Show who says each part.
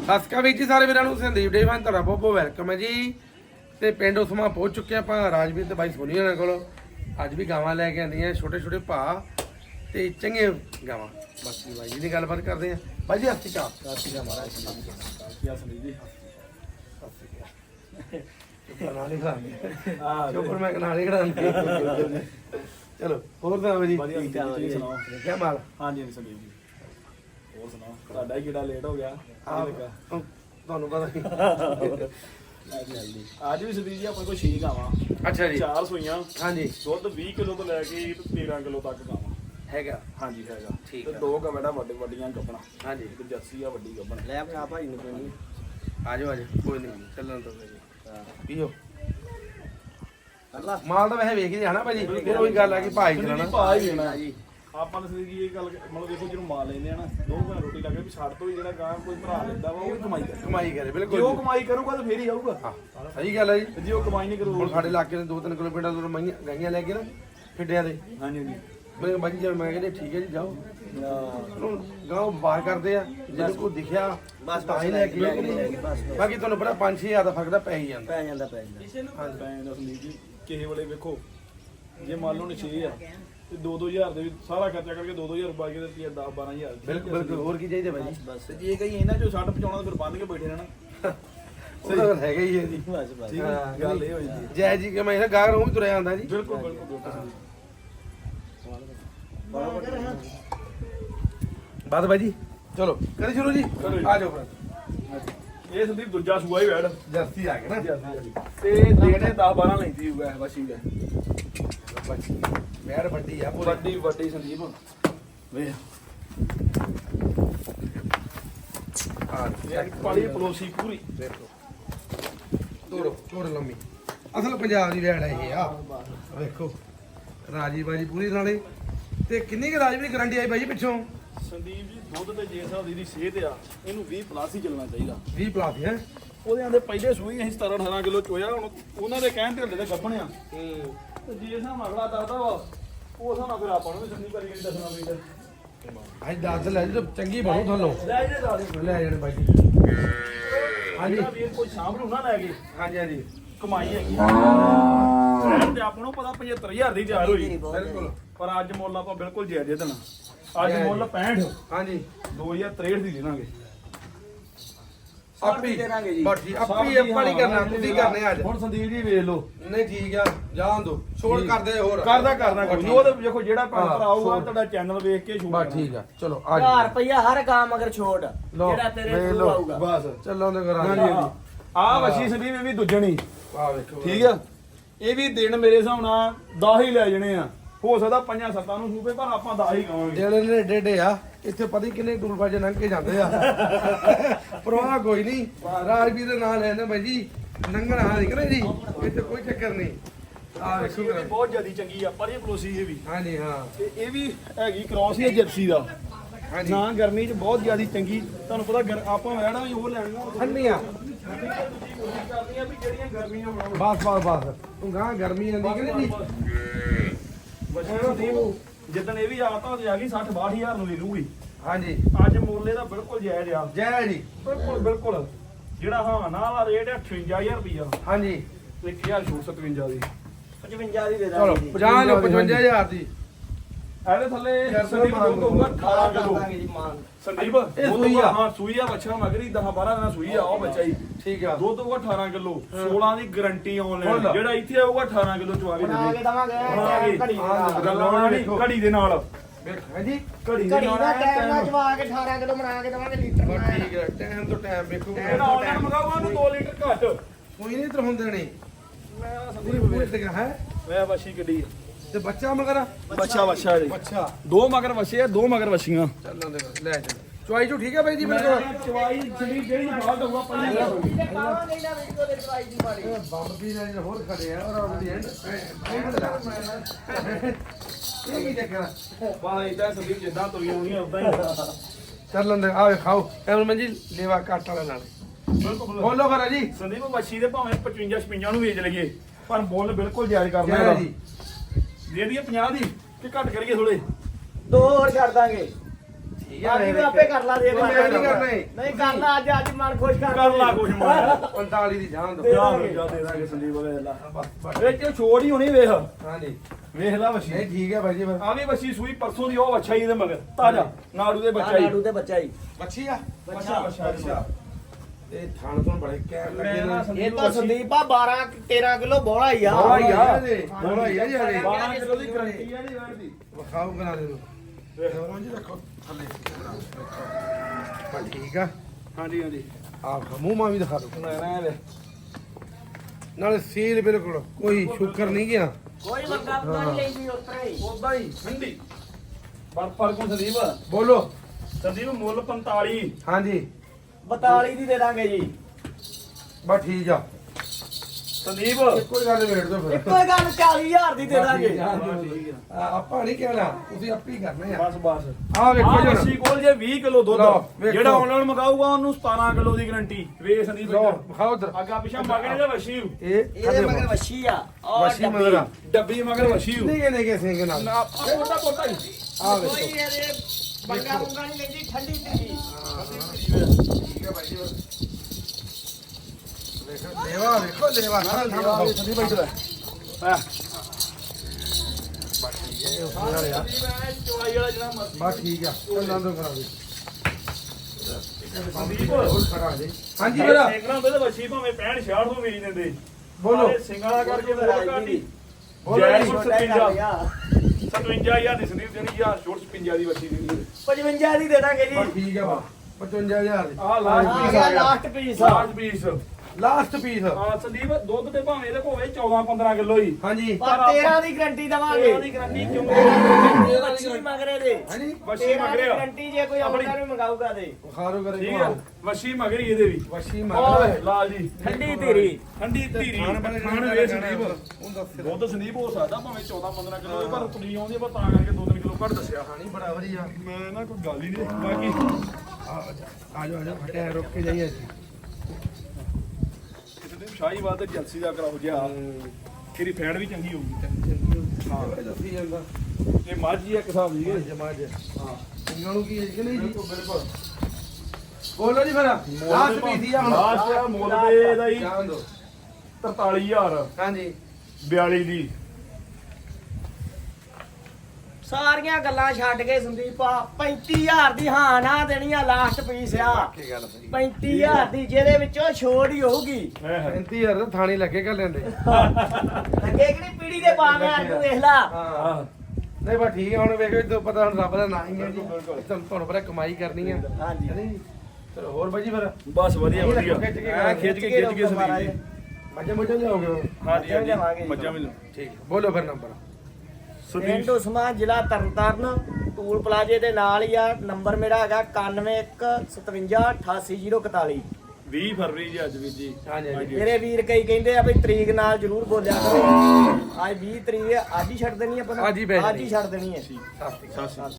Speaker 1: ਸਤਿ ਸ਼੍ਰੀ ਅਕਾਲ ਵੀਰ ਜੀ ਸਾਰੇ ਵੀਰਾਂ ਨੂੰ ਸੰਦੀਪ ਡੇਵਾਨ ਤੁਹਾਡਾ ਬਹੁਤ ਬਹੁਤ ਵੈਲਕਮ ਹੈ ਜੀ। ਤੇ ਪਿੰਡ ਉਸਮਾ ਪਹੁੰਚ ਚੁੱਕੇ ਆਪਾਂ ਰਾਜਵੀਰ ਤੇ ਬਾਈ ਸੋਨੀ ਹੋਣਾ ਕੋਲ। ਅੱਜ ਵੀ ਗਾਵਾਂ ਲੈ ਕੇ ਆਂਦੀਆਂ ਛੋਟੇ ਛੋਟੇ ਭਾ ਤੇ ਚੰਗੇ ਗਾਵਾਂ। ਬਾਕੀ ਬਾਈ ਜੀ ਦੀ ਗੱਲਬਾਤ ਕਰਦੇ ਆ। ਬਾਈ ਜੀ ਸਤਿ ਸ਼੍ਰੀ ਅਕਾਲ।
Speaker 2: ਸਤਿ ਸ਼੍ਰੀ ਅਕਾਲ ਮਹਾਰਾਜ ਕੀ ਹਾਲ ਸੰਦੀਪ ਜੀ।
Speaker 1: ਨਾਲ ਹੀ ਖੜਾਂਗੇ ਚੋਪਰ ਮੈਂ ਨਾਲ ਹੀ ਖੜਾਂਗੇ। ਚਲੋ ਹੋਰ ਤਾਂ ਜੀ
Speaker 2: ਵਧੀਆ ਤੁਸੀਂ ਸੁਣਾਓ
Speaker 1: ਕਿਆ ਮਾਲ?
Speaker 2: ਹਾਂਜੀ ਸੰਦੀਪ ਜੀ ਹੋਰ ਸੁਣਾਓ ਤੁਹਾਡਾ ਹੀ ਕਿਹੜਾ ਲੇਟ ਹੋ ਗਿਆ
Speaker 1: ਤੁਹਾਨੂੰ ਪਤਾ
Speaker 2: ਅੱਜ ਵੀ ਸੰਦੀਪ ਜੀ ਆਪਣੇ ਕੋਲ 6 ਗਾਵਾਂ।
Speaker 1: ਅੱਛਾ ਜੀ
Speaker 2: 4 ਸੂਈਆਂ
Speaker 1: ਹਾਂਜੀ
Speaker 2: ਦੁੱਧ 20 ਕਿਲੋ ਤੋਂ ਲੈ ਕੇ 13 ਕਿਲੋ ਤੱਕ ਗਾਵਾਂ
Speaker 1: ਹੈਗਾ।
Speaker 2: ਹਾਂਜੀ ਹੈਗਾ
Speaker 1: ਠੀਕ
Speaker 2: ਤੇ
Speaker 1: ਆ।
Speaker 2: 2 ਕਮੇਟਾ ਵੱਡੀਆਂ ਗੱਬਣਾ
Speaker 1: ਹਾਂਜੀ
Speaker 2: ਇੱਕ ਜਰਸੀ ਆ ਵੱਡੀ ਗੱਬਣ
Speaker 3: ਲੈ ਆਪਣੇ ਆਪ ਭਾਈ ਨੂੰ ਕੋਈ ਨਹੀਂ
Speaker 1: ਆਜੋ ਕੋਈ ਨਹੀਂ ਚੱਲਣ ਤੋਂ ਪੀਓ
Speaker 3: ਅੱਲਾ
Speaker 1: ਮਾਲ ਤਾਂ ਵੈਸੇ ਵੇਖ ਹੀ ਜਾਣਾ ਭਾਜੀ। ਫਿਰ ਉਹੀ ਗੱਲ ਆ ਕਿ ਭਾਈ ਚਲਾਣਾ
Speaker 2: ਪਾ ਹੀ ਦੇਣਾ ਜੀ। ਆਪਾਂ ਤਾਂ ਸੰਦੀਪ ਜੀ ਇਹ ਗੱਲ ਮਤਲਬ ਦੇਖੋ ਜਦੋਂ ਮਾਲ ਲੈਂਦੇ ਆ ਨਾ 2 ਘੰਟੇ ਰੋਟੀ ਲੱਗੇ ਵੀ ਛੱਡ ਤੋਂ ਹੀ ਜਿਹੜਾ ਗਾਂ ਕੋਈ ਭਰਾ ਲੈਂਦਾ ਵਾ ਉਹ ਵੀ ਕਮਾਈ ਕਰਦਾ।
Speaker 1: ਕਮਾਈ ਕਰੇ
Speaker 2: ਜੇ
Speaker 1: ਬਿਲਕੁਲ
Speaker 2: ਉਹ ਕਮਾਈ ਕਰੂਗਾ ਤਾਂ ਫੇਰ ਹੀ ਆਊਗਾ।
Speaker 1: ਹਾਂ ਸਹੀ ਗੱਲ ਹੈ ਜੀ।
Speaker 2: ਤੇ ਜੇ ਉਹ ਕਮਾਈ ਨਹੀਂ
Speaker 1: ਹੁਣ
Speaker 2: ਕਰੂਗਾ
Speaker 1: ਸਾਡੇ ਇਲਾਕੇ ਦੇ 2-3 ਕਿਲੋਮੀਟਰ ਦੂਰ ਮਈਆਂ ਗਾਈਆਂ ਲੈ ਕੇ ਨਾ ਫਿੱਡਿਆਂ ਦੇ
Speaker 2: ਹਾਂਜੀ ਹਾਂਜੀ
Speaker 1: ਮੇਰੇ ਬਾਜੀ ਜਦ ਮੈਂ ਕਹਿੰਦੇ ਠੀਕ ਹੈ ਜੀ ਜਾਓ ਗਾਂ ਬਾਹਰ ਕਰਦੇ ਆ ਜਿਹਨੂੰ ਕੋਈ ਦਿਖਿਆ
Speaker 3: ਬਸ
Speaker 1: ਤਾਂ ਹੀ ਲੈ ਕੇ ਆਏ। ਬਾਕੀ ਤੁਹਾਨੂੰ ਪਤਾ 5-6 ਹਜ਼ਾਰ ਦਾ ਫਰਕ ਤਾਂ ਪੈ ਹੀ ਜਾਂਦਾ।
Speaker 3: ਪੈ ਜਾਂਦਾ
Speaker 2: ਹਾਂਜੀ ਭੈਣ ਦਾ ਸੰਦੀਪ ਜੀ ਕਿਸੇ ਵੇਲੇ ਵੇਖੋ ਜੇ ਮੰਨ ਲਓ 6 ਆ ਤੇ 2-2000 ਦੇ ਵੀ ਸਾਰਾ ਖਰਚਾ ਕਰਕੇ 2-2000 ਰੁਪਏ ਕੇ ਦਿੱਤੀ 10-12 ਹਜ਼ਾਰ
Speaker 1: ਬਿਲਕੁਲ ਬਿਲਕੁਲ ਹੋਰ ਕੀ ਚਾਹੀਦਾ ਭਾਜੀ।
Speaker 2: ਬਸ ਜੇ ਕਹੀਂ ਇਹਨਾਂ ਚੋਂ 60 ਪਹੁੰਚਾਉਣਾ ਤਾਂ ਫਿਰ ਬੰਦ ਕੇ ਬੈਠੇ ਰਹਿਣਾ।
Speaker 1: ਉਹ ਤਾਂ ਹੈਗਾ ਹੀ ਹੈ ਜੀ।
Speaker 3: ਬਸ ਬਸ
Speaker 2: ਠੀਕ ਹੈ ਗੱਲ ਇਹ ਹੋ ਜਾਂਦੀ
Speaker 1: ਜੈ ਜੀ ਕਿ ਮੈਂ ਗਾਹਕ ਨੂੰ ਵੀ ਤੁਰਿਆ ਆਉਂਦਾ ਜੀ।
Speaker 2: ਬਿਲਕੁਲ ਬਿਲਕੁਲ
Speaker 1: ਬਾਤ ਭਾਜੀ ਚਲੋ ਕਰੀ ਸ਼ੁਰੂ ਜੀ
Speaker 2: ਕਰੋ ਜੀ।
Speaker 1: ਆ ਜਾਓ ਫਿਰ
Speaker 2: ਇਹ ਸੰਦੀਪ ਦੂਜਾ ਸੂਆ ਹੀ ਵੈੜ
Speaker 1: ਜਰਸੀ ਆ ਗਿਆ ਨਾ
Speaker 2: ਤੇ ਦੇਣੇ 10-12 ਲੈਂਦੀ ਹੋਊਗਾ ਇਹ ਵਸ਼ੀ ਦਾ
Speaker 1: ਮੈਰ ਵੱਡੀ ਆ ਪੂਰੀ
Speaker 2: ਵੱਡੀ ਸੰਦੀਪ ਵੇ
Speaker 1: ਆ
Speaker 2: ਇਹ ਪਾਲੀ ਪਲੋਸੀ ਪੂਰੀ
Speaker 1: ਦੇਖੋ ਤੋੜੋ ਲੰਮੀ ਅਸਲ ਪੰਜਾਬ ਦੀ ਵੈੜ ਹੈ ਇਹ ਆ ਵੇਖੋ ਰਾਜੀ ਬਾਜੀ ਪੂਰੀ ਨਾਲੇ ਤੇ ਕਿੰਨੀ ਕੁ ਰਾਜਵੀਰ ਗਰੰਟੀ ਆਈ ਬਾਈ ਪਿੱਛੋਂ?
Speaker 2: ਸੰਦੀਪ ਜੀ ਦੁੱਧ ਤੇ ਜੇ ਹਿਸਾਬ ਦੀ ਸਿਹਤ ਆ ਇਹਨੂੰ 20 ਪਲੱਸ ਹੀ ਚੱਲਣਾ ਚਾਹੀਦਾ।
Speaker 1: 20 ਪਲਾਸ ਹੈ
Speaker 2: ਉਹਦੇ ਆਂਦੇ ਪਹਿਲੇ ਸੂਈ ਅਸੀਂ 17-18 ਕਿਲੋ ਚੋਇਆ ਹੁਣ ਉਹਨਾਂ ਦੇ ਕਹਿਣ ਤੇ ਹੱਲੇ ਤੇ ਗੱਭਣਿਆ ਤੇ ਜੇ ਹਿਸਾਬ ਅਗਲਾ ਦੱਸਦਾ ਵਾ ਉਹ ਹਿਸਾਬ ਨਾਲ ਫਿਰ ਆਪਾਂ ਨੂੰ ਵੀ ਸੰਦੀਪ ਕਰੀ ਕੇ ਦੱਸਣਾ ਪੈਂਦਾ।
Speaker 1: ਅੱਜ ਦੱਸ ਲੈ ਜੀ ਚੰਗੀ ਬਣੂ ਤੁਹਾਨੂੰ
Speaker 2: ਲੈ ਜੇ ਦੱਸ
Speaker 1: ਲੈ ਜਾਣੇ ਬਾਈ ਜੀ। ਹਾਂਜੀ
Speaker 2: ਹਾਂਜੀ ਵੀਰ ਕੋਈ ਸਾਂਭ ਨੂੰ ਨਾ ਲੈ ਕੇ
Speaker 1: ਹਾਂਜੀ ਹਾਂਜੀ
Speaker 2: ਕਮਾਈ ਹੈਗੀ ਆ ਤੇ ਆਪਾਂ ਨੂੰ ਪਤਾ 75000 ਦੀ ਤਿਆਰ ਹੋਈ
Speaker 1: ਬਿਲਕੁਲ
Speaker 2: ਪਰ ਅੱਜ ਮੁੱਲ ਆਪਾਂ ਬਿਲਕੁਲ ਜਾਇਜ਼ ਦੇਣਾ। ਅੱਜ ਮੁੱਲ 65
Speaker 1: ਹਾਂਜੀ
Speaker 2: 2063 ਦੀ ਦੇਵਾਂਗੇ।
Speaker 1: ਆਪੀ
Speaker 3: ਦੇਣਾਗੇ ਜੀ।
Speaker 1: ਬਾਕੀ ਆਪੀ ਆਪਾਂ ਨਹੀਂ ਕਰਨਾ ਤੁਸੀਂ ਕਰਨੇ ਅੱਜ।
Speaker 2: ਹੁਣ ਸੰਦੀਪ ਜੀ ਵੇਖ ਲਓ
Speaker 1: ਨਹੀਂ ਠੀਕ ਆ ਜਾਣ ਦੋ ਛੋੜ ਕਰਦੇ ਹੋਰ
Speaker 2: ਕਰਨਾ ਕੋਈ ਨਹੀਂ। ਉਹ ਤਾਂ ਦੇਖੋ ਜਿਹੜਾ ਭਰਾ ਆਊਗਾ ਤੁਹਾਡਾ ਚੈਨਲ ਵੇਖ ਕੇ ਛੋੜ
Speaker 1: ਬਸ ਠੀਕ ਆ ਚਲੋ ਆ
Speaker 3: 1000 ਰੁਪਇਆ ਹਰ ਗਾਂ ਮਗਰ ਛੋੜ
Speaker 1: ਲਓ,
Speaker 3: ਜਿਹੜਾ ਤੇਰੇ
Speaker 1: ਵੇਖ
Speaker 3: ਕੋਲ
Speaker 1: ਲਓ।
Speaker 3: ਆਊਗਾ।
Speaker 2: ਬਸ
Speaker 1: ਚੱਲੋਂ ਦੇ ਕਰਾਂ
Speaker 2: ਹਾਂਜੀ ਹਾਂਜੀ ਆ ਵਸ਼ੀ ਸੰਦੀਪ ਇਹ ਵੀ ਦੁੱਜਣੀ
Speaker 1: ਆ ਵੇਖੋ
Speaker 2: ਠੀਕ ਆ। ਇਹ ਵੀ ਦਿਨ ਮੇਰੇ ਹਿਸਾਬ ਨਾਲ 10 ਹੀ ਲੈ ਜਣੇ ਆ। ਹੋ ਸਕਦਾ 5-7 ਨੂੰ ਸੂਪੇ ਪਰ ਆਪਾਂ 10 ਹੀ ਕਵਾਂਗੇ।
Speaker 1: ਜਿਹੜੇ ਨੇ ਏਡੇ ਆ ਇੱਥੇ ਪਤਾ ਹੀ ਕਿੰਨੇ ਟੂਲ ਬਾਜੇ ਲੰਘ ਕੇ ਜਾਂਦੇ ਆ। ਪਰਵਾਹ ਕੋਈ ਨਹੀਂ ਰਾਜਵੀਰ ਦੇ ਨਾਂ ਲੈਣੇ ਬਾਈ ਜੀ ਲੰਘਣਾ ਹਾਂ ਕਰੇ ਜੀ ਇੱਥੇ ਕੋਈ ਚੱਕਰ ਨਹੀਂ। ਆ ਵੇਖੋ
Speaker 2: ਇਹ ਵੀ ਬਹੁਤ ਜ਼ਿਆਦੀ ਚੰਗੀ ਆ ਪਰ ਇਹ ਪਲੋਸੀ ਇਹ ਵੀ
Speaker 1: ਹਾਂਜੀ ਹਾਂ
Speaker 2: ਤੇ ਇਹ ਵੀ ਹੈਗੀ ਕ੍ਰਾਸ ਹੀ ਜਰਸੀ ਦਾ
Speaker 1: ਹਾਂਜੀ
Speaker 2: ਨਾ ਗਰਮੀ 'ਚ ਬਹੁਤ ਜ਼ਿਆਦੀ ਚੰਗੀ। ਤੁਹਾਨੂੰ ਪਤਾ ਆਪਾਂ ਵੈੜਾ ਵੀ ਉਹ ਲੈਣਾ
Speaker 1: ਠੰਡੀਆਂ
Speaker 2: ਕਰਦੀਆਂ ਵੀ ਜਿਹੜੀਆਂ ਗਰਮੀਆਂ ਬਣਾਉਣ
Speaker 1: ਬਸ ਤੂੰ ਗਾਂ ਗਰਮੀ ਆਂਦੀ ਕਿ ਨਹੀਂ ਜੀ।
Speaker 2: ਜਿੱਦਣ ਇਹ ਵੀ ਆਤਾ ਤੇ ਆ ਗਈ 60-62000 ਨੂੰ ਲੈ ਲੂਗੀ।
Speaker 1: ਹਾਂਜੀ
Speaker 2: ਅੱਜ ਮੁੱਲ ਇਹਦਾ ਬਿਲਕੁਲ ਜਾਇਜ਼ ਆ।
Speaker 1: ਜੈ ਜੀ
Speaker 2: ਬਿਲਕੁਲ ਜਿਹੜਾ ਹਾਂ ਨਾਲ ਵਾਲਾ ਰੇਟ ਹੈ 58000 ਰੁਪਇਆ
Speaker 1: ਹਾਂਜੀ
Speaker 2: ਤੇ 1000 ਛੂਟ 57 ਦੀ
Speaker 3: 55 ਦੀ ਦੇ
Speaker 1: ਚਲੋ
Speaker 3: ਦਾਂਗੇ ਜੀ।
Speaker 1: 50 ਲਓ 55000 ਦੀ
Speaker 2: ਇਹਦੇ ਥੱਲੇ
Speaker 1: ਯਾਰ
Speaker 2: ਸੰਦੀਪ
Speaker 1: ਮੰਗ
Speaker 2: ਦੁੱਧ ਹੋਊਗਾ 18
Speaker 3: ਕਰ
Speaker 2: ਕਿਲੋ।
Speaker 3: ਦਾਂਗੇ ਜੀ ਮਾਨ।
Speaker 2: ਸੰਦੀਪ
Speaker 1: ਇਹ
Speaker 2: ਦੁੱਧ
Speaker 1: ਸੂਈ ਆ।
Speaker 2: ਹਾਂ ਸੂਈ ਆ ਬੱਚਾ ਮਗਰੀ 10-12 ਦਿਨਾਂ ਸੂਈ ਆ ਉਹ ਬੱਚਾ ਹੀ
Speaker 1: ਠੀਕ ਆ
Speaker 2: ਦੁੱਧ ਹੋਊਗਾ 18 ਕਿਲੋ 16 ਦੀ ਗਾਰੰਟੀ ਆਨਲਾਈਨ
Speaker 1: ਹੁਣ।
Speaker 2: ਜਿਹੜਾ ਇੱਥੇ ਆਊਗਾ 18 ਕਿਲੋ ਚਵਾ ਕੇ
Speaker 3: ਬਣਾ ਕੇ
Speaker 2: ਦੇਵੇ
Speaker 3: ਦਵਾਂਗੇ ਘੜੀ ਦੇ ਨਾਲ।
Speaker 2: ਗੱਲਾਂ ਨਹੀਂ ਘੜੀ ਦੇ ਨਾਲ
Speaker 1: ਹਾਂਜੀ
Speaker 2: ਘੜੀ
Speaker 3: ਘੜੀ ਦਾ ਟਾਈਮ ਨਾਲ ਚਵਾ ਕੇ 18 ਕਿਲੋ ਬਣਾ ਕੇ ਦਵਾਂਗੇ ਲੀਟਰ
Speaker 1: ਬਸ
Speaker 3: ਨਾਲ।
Speaker 1: ਠੀਕ ਹੈ ਟਾਈਮ ਤੋਂ ਟਾਈਮ ਵੇਖੋ
Speaker 2: ਜਿਹੜਾ ਆਨਲਾਈਨ ਮੰਗਾਊਗਾ ਉਹਨੂੰ 2 ਲੀਟਰ ਘੱਟ।
Speaker 1: ਕੋਈ ਨਹੀਂ ਇਧਰ ਹੁੰਦੇ ਨਹੀਂ
Speaker 2: ਮੈਂ
Speaker 1: ਪੂਰੀ ਪੂਰੀ ਤੇ ਹੈ
Speaker 2: ਮੈਂ ਵਸ਼ੀ ਗੱਡੀ
Speaker 1: ਤੇ ਬੱਚਾ ਮਗਰ
Speaker 2: ਬੱਚਾ ਜੀ
Speaker 1: ਬੱਚਾ
Speaker 2: 2 ਮਗਰ ਵਸ਼ੇ ਆ 2 ਮਗਰ ਵਸ਼ੀਆਂ।
Speaker 1: ਚੱਲੋ ਦੇ ਲੈ ਚੱਲ ਚੁਆਈ ਚੋ ਠੀਕ ਹੈ ਬਾਈ ਜੀ ਮੇਰੇ ਕੋਲ
Speaker 2: ਚਵਾਈ ਜਿਹੜੀ ਜਿਹੜੀ ਬਾਤ ਹੋਊਗਾ ਪਹਿਲੇ
Speaker 3: ਪਾਵਾਂਗੇ ਨਾ ਵੀਡੀਓ ਦੇ ਦਵਾਈ ਦੀ ਮਾੜੀ।
Speaker 1: ਬੰਬ ਵੀ ਨੇ ਹੋਰ ਖੜੇ ਆ ਔਰ ਉਹਦੀ ਐਂਡ ਇਹ ਕੀ ਚੱਕਰ
Speaker 2: ਬਾਹਰ ਇਦਾਂ ਸੰਦੀਪ ਜਿੱਦਾਂ ਤੁਰੀਆਂ ਹੋਈਆਂ ਉਦਾਂ ਹੀ
Speaker 1: ਚੱਲ ਲੰਦੇ ਆ ਖਾਓ ਐਮਨ ਜੀ ਲੇਵਾ ਕੱਟ ਵਾਲੇ ਨਾਲ
Speaker 2: ਬਿਲਕੁਲ
Speaker 1: ਬੋਲੋ ਫਿਰ ਜੀ
Speaker 2: ਸੰਦੀਪ ਵਸ਼ੀ ਦੇ ਭਾਵੇਂ 55-56 ਨੂੰ ਵੇਚ ਲਈਏ ਪਰ ਮੁੱਲ ਬਿਲਕੁਲ ਜਾਇਜ਼ ਕਰਨਾ
Speaker 1: ਜੈ
Speaker 2: ਇਹਦਾ
Speaker 1: ਜੀ
Speaker 2: ਦੇ ਦਈਏ 50 ਦੀ ਕਿ ਘੱਟ ਕਰੀਏ ਥੋੜੇ
Speaker 3: 2 ਹੋਰ ਕਰ ਦਾਂਗੇ। ਬਾਕੀ ਤੂੰ ਆਪੇ ਕਰ ਲਾ ਦੇ
Speaker 1: ਨਹੀਂ, ਮੈਂ ਨਹੀਂ ਕਰਨਾ ਇਹ।
Speaker 3: ਨਹੀਂ ਕਰਨਾ ਅੱਜ ਮਨ ਖੁਸ਼
Speaker 2: ਕਰ ਲਾ ਕੁਛ ਮਾਰ
Speaker 1: 45 ਦੀ ਜਾਨ ਦੋ
Speaker 2: ਦੇ ਦਾਂਗੇ ਸੰਦੀਪ ਵੇਖ ਲਾ ਇਹ ਚ ਛੋੜ ਹੀ ਹੋਣੀ ਵੇਖ
Speaker 1: ਹਾਂਜੀ
Speaker 2: ਵੇਖ ਲਾ ਵਸ਼ੀ
Speaker 1: ਨਹੀਂ ਠੀਕ ਹੈ ਬਾਈ ਜੀ ਫਿਰ
Speaker 2: ਆ ਵੀ ਵਸ਼ੀ ਸੂਈ ਪਰਸੋਂ ਦੀ ਉਹ ਬੱਚਾ ਹੀ ਇਹਦੇ ਮਗਰ ਤਾਜਾ ਨਾੜੂ ਦੇ ਬੱਚਾ ਹੀ
Speaker 3: ਨਾੜੂ ਤੇ ਬੱਚਾ ਹੀ
Speaker 1: ਬੱਚੀ ਆ
Speaker 2: ਬੱਚਾ
Speaker 1: ਅੱਛਾ ਇਹ ਥਾਣ ਤੋਂ ਬੜੇ ਕੈਮ ਲੱਗੇ ਨੇ
Speaker 3: ਇਹ ਤਾਂ ਸੰਦੀਪ ਆ 12 13 ਕਿਲੋ ਬੋਲਾ ਹੀ ਆ
Speaker 1: ਬੋਲਾ ਹੀ ਆ ਬੋਲਾ ਹੀ ਆ ਜੀ ਹਰੇ
Speaker 2: 12 ਕਿਲੋ ਦੀ ਗਰੰਟੀ ਆ ਨਹੀਂ ਵੜਦੀ
Speaker 1: ਵਿਖਾਓ ਕਰਾ ਦੇ ਨੂੰ ਵੇਖੋ ਜੀ ਰੱਖੋ ਥੱਲੇ ਬਸ ਠੀਕ ਆ
Speaker 2: ਹਾਂਜੀ ਹਾਂਜੀ
Speaker 1: ਆ ਮੂੰਹ ਮਾ ਵੀ ਦਿਖਾ ਦਿਓ
Speaker 2: ਨਾ ਵੇ
Speaker 1: ਨਾਲੇ ਸੀਲ ਬਿਲਕੁਲ ਕੋਈ ਸ਼ੁਕਰ ਨਹੀਂ ਗਿਆ
Speaker 3: ਕੋਈ ਬੰਦਾ ਪਤਾ ਨਹੀਂ ਲੈਂਦੀ ਉਤਰਾ ਹੀ
Speaker 2: ਉਦਾਂ ਹੀ ਠੰਡੀ ਪਰ ਕੋ ਸੰਦੀਪ
Speaker 1: ਬੋਲੋ
Speaker 2: ਸੰਦੀਪ ਮੁੱਲ 45
Speaker 1: ਹਾਂਜੀ
Speaker 3: 42 ਦੀ ਦੇ ਦਾਂਗੇ ਜੀ
Speaker 1: ਬਸ ਠੀਕ ਆ
Speaker 2: ਸੰਦੀਪ
Speaker 1: ਇੱਕੋ ਹੀ ਗੱਲ ਵੇਟ ਦੋ ਫਿਰ
Speaker 3: ਇੱਕੋ ਹੀ ਗੱਲ 40000 ਦੀ ਦੇ ਦਾਂਗੇ
Speaker 1: ਆਪਾਂ ਨਹੀਂ ਕਹਿਣਾ ਤੁਸੀਂ ਆਪੇ ਹੀ ਕਰਨਾ ਆ
Speaker 2: ਬਸ ਬਸ
Speaker 1: ਆ ਵੇਖੋ
Speaker 2: ਆ
Speaker 1: ਜੀ
Speaker 2: ਵਸ਼ੀ ਕੋਲ ਜੇ 20 ਕਿਲੋ ਦੁੱਧ
Speaker 1: ਲਓ, ਵੇਖੋ।
Speaker 2: ਜਿਹੜਾ ਆਨਲਾਈਨ ਮਗਾਊਗਾ ਉਹਨੂੰ 17 ਕਿਲੋ ਦੀ ਗਰੰਟੀ ਵੇ ਸੰਦੀਪ
Speaker 1: ਲੋ ਵਿਖਾਓ ਉਧਰ
Speaker 2: ਅੱਗਾ ਪਿਛਾ ਮਗਣੇ ਦੇ ਵਸ਼ੀ
Speaker 1: ਇਹ
Speaker 3: ਇਹਦੇ ਮਗਰ ਵੱਛੀ ਆ ਔਰ
Speaker 1: ਵਸ਼ੀ ਮਗਰ ਆ
Speaker 2: ਡੱਬੀ ਮਗਰ ਵਸ਼ੀ
Speaker 1: ਨਿੱਕੇ ਨਿੱਕੇ ਸਿੰਘ ਨਾਲ
Speaker 2: ਨਾ ਪੋਟਾ ਪੋਟਾ ਹੀ
Speaker 1: ਆ
Speaker 3: ਕੋਈ
Speaker 1: ਵੇਖੋ
Speaker 3: ਇਹਦੇ ਬੰਗਾ ਬੰਗਾ ਨਹੀਂ ਲੈਂਦੀ ਠੰਡੀ ਧੀਰੀ
Speaker 1: ਠੀਕ ਹੈ ਭਾਈ ਜੀ ਵੇਖੋ ਦੇਵਾ ਵੇਖੋ ਦੇਵਾ ਨਾਲ ਨਾਲ
Speaker 2: ਸੰਦੀਪ ਇੱਧਰ ਹਾਂ
Speaker 1: ਬਸ ਠੀਕ ਹੈ ਉਸ ਨਾਲ ਆ
Speaker 2: ਚਵਾਈ ਵਾਲਾ ਜਿਹੜਾ ਮਰਜ਼ੀ
Speaker 1: ਬਸ ਠੀਕ ਆ ਚੱਲਾਂ ਤੋਂ ਕਰਾ ਦੇ
Speaker 2: ਸੰਦੀਪ
Speaker 1: ਹੋਰ ਖੜਾ ਜੀ ਹਾਂਜੀ ਮੇਰਾ
Speaker 2: ਸਿੰਗਲਾਂ ਹੁੰਦੇ ਤੇ ਵਸ਼ੀ ਭਾਵੇਂ 65 66 ਨੂੰ ਵੇਚ ਦਿੰਦੇ
Speaker 1: ਬੋਲੋ
Speaker 2: ਸਿੰਗਲਾ ਕਰਕੇ ਬਹੁਤ ਘਾਟੀ
Speaker 1: ਬੋਲੋ
Speaker 2: ਜੈ
Speaker 1: ਜੀ।
Speaker 2: ਗੁਰ 57000 ਦੀ ਸੰਦੀਪ ਜਿਹੜੀ ਆ ਛੋਟ 56 ਦੀ ਵਸ਼ੀ ਦੀ
Speaker 3: 55 ਦੀ ਦੇ ਦਾਂਗੇ ਜੀ
Speaker 1: ਬਸ ਠੀਕ ਆ ਵਾ 55000 ਦੀ
Speaker 2: ਆ ਲਾਸਟ
Speaker 3: ਆ
Speaker 2: ਪੀਸ
Speaker 3: ਗਿਆ
Speaker 2: ਆ ਗਿਆ
Speaker 3: ਲਾਸਟ ਪੀਸ ਆ
Speaker 2: ਲਾਸਟ ਪੀਸ
Speaker 1: ਲਾਸਟ ਪੀਸ
Speaker 2: ਆ ਸੰਦੀਪ ਦੁੱਧ ਤੇ ਭਾਵੇਂ ਇਹਦੇ ਕੋਲ ਹੋਵੇ 14-15 ਕਿਲੋ ਹੀ
Speaker 1: ਹਾਂਜੀ
Speaker 3: ਪਰ 13 ਦੀ ਗਰੰਟੀ ਦਵਾਂਗੇ
Speaker 2: ਇਹਦੀ ਗਰੰਟੀ ਕਿਉਂ
Speaker 3: ਵੱਛੀ ਮਗਰੇ ਦੇ
Speaker 1: ਹਾਂਜੀ
Speaker 2: ਵਸ਼ੀ
Speaker 3: 13 ਦੀ
Speaker 2: ਮਗਰੇ ਆ
Speaker 3: ਗਰੰਟੀ ਜੇ ਕੋਈ
Speaker 2: ਆਪਣੀ-
Speaker 3: ਆਉਂਦਾ ਨੂੰ ਮੰਗਾਊਗਾ ਦੇ
Speaker 1: ਖਾਰੋ ਕਰੇ
Speaker 2: ਠੀਕ ਆ ਵਸ਼ੀ ਮਗਰੀ ਇਹਦੇ ਵੀ
Speaker 1: ਵਸ਼ੀ
Speaker 2: ਓਏ
Speaker 1: ਮਾਰ
Speaker 2: ਲਾਲ ਜੀ
Speaker 3: ਠੰਡੀ ਧੀਰੀ
Speaker 2: ਠੰਡੀ ਧੀਰੀ
Speaker 1: ਖਾਣ ਬਣੇ
Speaker 2: ਖਾਣ ਵੇ ਸੰਦੀਪ
Speaker 1: ਉਹਦਾ ਸਿਰ
Speaker 2: ਦੁੱਧ ਸੰਦੀਪ ਹੋ ਸਕਦਾ ਭਾਵੇਂ 14-15 ਕਿਲੋ ਹੋਵੇ ਪਰ ਕੁੜੀ ਆਉਂਦੀ ਆ ਪਰ ਤਾਂ ਕਰਕੇ 2-3 ਕਿਲੋ ਘੱਟ ਦੱਸਿਆ
Speaker 1: ਖਾਣੀ ਬੜਾ ਵਧੀਆ
Speaker 2: ਮੈਂ ਨਾ ਕੋਈ ਗੱਲ ਹੀ ਨਹੀਂ ਬਾਕੀ
Speaker 1: ਆ ਜਾਓ ਹਟਿਆ ਰੁਕ ਕੇ ਜਾਈਏ ਅਸੀਂ
Speaker 2: ਸੰਦੀਪ ਸ਼ਾਹੀਵਾਲ ਤੇ ਜਲਸੀ ਦਾ ਕਰਾਓ ਜਿਆ ਤੇਰੀ ਫੈਨ ਵੀ ਚੰਗੀ ਹੋਊਗੀ
Speaker 1: ਹਾਂ ਦੱਸੀ ਜਾਂਦਾ
Speaker 2: ਇਹ ਮਾਝੀ ਇੱਕ ਹਿਸਾਬ ਦੀ ਹੈ
Speaker 1: ਜਮਾਜ
Speaker 2: ਹਾਂ
Speaker 1: ਇਹਨਾਂ ਨੂੰ ਕੀ ਹੈ ਕਿ ਨਹੀਂ ਜੀ
Speaker 2: ਬਿਲਕੁਲ
Speaker 1: ਬੋਲੋ ਜੀ ਫਿਰ ਲਾਸਟ ਪੀਸ ਹੀ ਆ ਹੁਣ
Speaker 2: ਲਾਸਟ ਆ ਮੁੱਲ ਦੇ ਇਹਦਾ ਹੀ
Speaker 1: ਜਾਣ ਦਿਓ
Speaker 2: 43000
Speaker 1: ਹਾਂਜੀ
Speaker 2: 42 ਦੀ
Speaker 3: ਸਾਰੀਆਂ ਗੱਲਾਂ ਛੱਡ ਕੇ ਸੰਦੀਪਾ 35000 ਦੀ ਹਾਂ ਨਾ ਦੇਣੀ ਆ ਲਾਸਟ ਪੀਸ ਆ
Speaker 1: ਕੀ ਗੱਲ ਸਹੀ
Speaker 3: 35000 ਦੀ ਜਿਹਦੇ ਵਿੱਚੋਂ ਛੋੜ ਹੀ ਹੋਊਗੀ
Speaker 1: 35000 ਤਾਂ ਥਾਣੀ ਲੱਗੇ ਕਰ ਲੈਂਦੇ
Speaker 3: ਅੱਗੇ ਕਿਹੜੀ ਪੀੜੀ ਦੇ ਪਾਵੇਂ ਆ ਤੂੰ ਵੇਖ ਲਾ
Speaker 1: ਹਾਂ ਨਹੀਂ ਬਸ ਠੀਕ ਹੈ ਹੁਣ ਵੇਖੋ ਇਦੋਂ ਪਤਾ ਹੁਣ ਰੱਬ ਦਾ ਨਾਂ ਹੀ ਹੈ ਜੀ ਤੁਹਾਨੂੰ ਪਤਾ ਕਮਾਈ ਕਰਨੀ ਹੈ
Speaker 3: ਹਾਂਜੀ
Speaker 1: ਨਹੀਂ ਚਲੋ ਹੋਰ ਬਾਜੀ ਫਿਰ
Speaker 2: ਬਸ ਵਧੀਆ ਵਧੀਆ
Speaker 1: ਖਿੱਚ ਕੇ
Speaker 2: ਐਂ ਖਿੱਚ ਕੇ ਸੰਦੀਪ ਜੀ
Speaker 1: ਮੱਝਾਂ ਮੁੱਝਾਂ ਲਿਆਓਗੇ
Speaker 2: ਹਾਂਜੀ ਹਾਂਜੀ
Speaker 3: ਲਿਆਵਾਂਗੇ ਜੀ।
Speaker 2: ਮੱਝਾਂ ਵੀ ਲਓ।
Speaker 1: ਠੀਕ ਹੈ ਬੋਲੋ ਫਿਰ ਨੰਬਰ
Speaker 2: ਸੰਦੀਪ
Speaker 3: ਪਿੰਡ ਉਸਮਾ ਜ਼ਿਲ੍ਹਾ ਤਰਨਤਾਰਨ ਟੂਲ ਪਲਾਜ਼ੇ ਦੇ ਨਾਲ ਹੀ ਆ ਨੰਬਰ ਮੇਰਾ ਹੈਗਾ 9115788041
Speaker 2: 20 ਫਰਵਰੀ ਜੀ ਅੱਜ ਵੀ ਜੀ
Speaker 1: ਹਾਂਜੀ ਹਾਂਜੀ
Speaker 3: ਮੇਰੇ ਵੀਰ ਕਈ ਕਹਿੰਦੇ ਆ ਵੀ ਤਰੀਕ ਨਾਲ ਜਰੂਰ ਬੋਲਿਆ ਕਰੋ ਅੱਜ 20 ਤਰੀਕ ਹੈ ਅੱਜ ਹੀ ਛੱਡ ਦੇਣੀ ਆਪਾਂ
Speaker 1: ਅੱਜ ਹੀ ਪੈ
Speaker 3: ਅੱਜ ਹੀ ਛੱਡ ਦੇਣੀ ਹੈ
Speaker 1: ਸਤਿ ਸ਼੍ਰੀ ਅਕਾਲ
Speaker 2: ਸਤਿ ਸ਼੍ਰੀ ਅਕਾਲ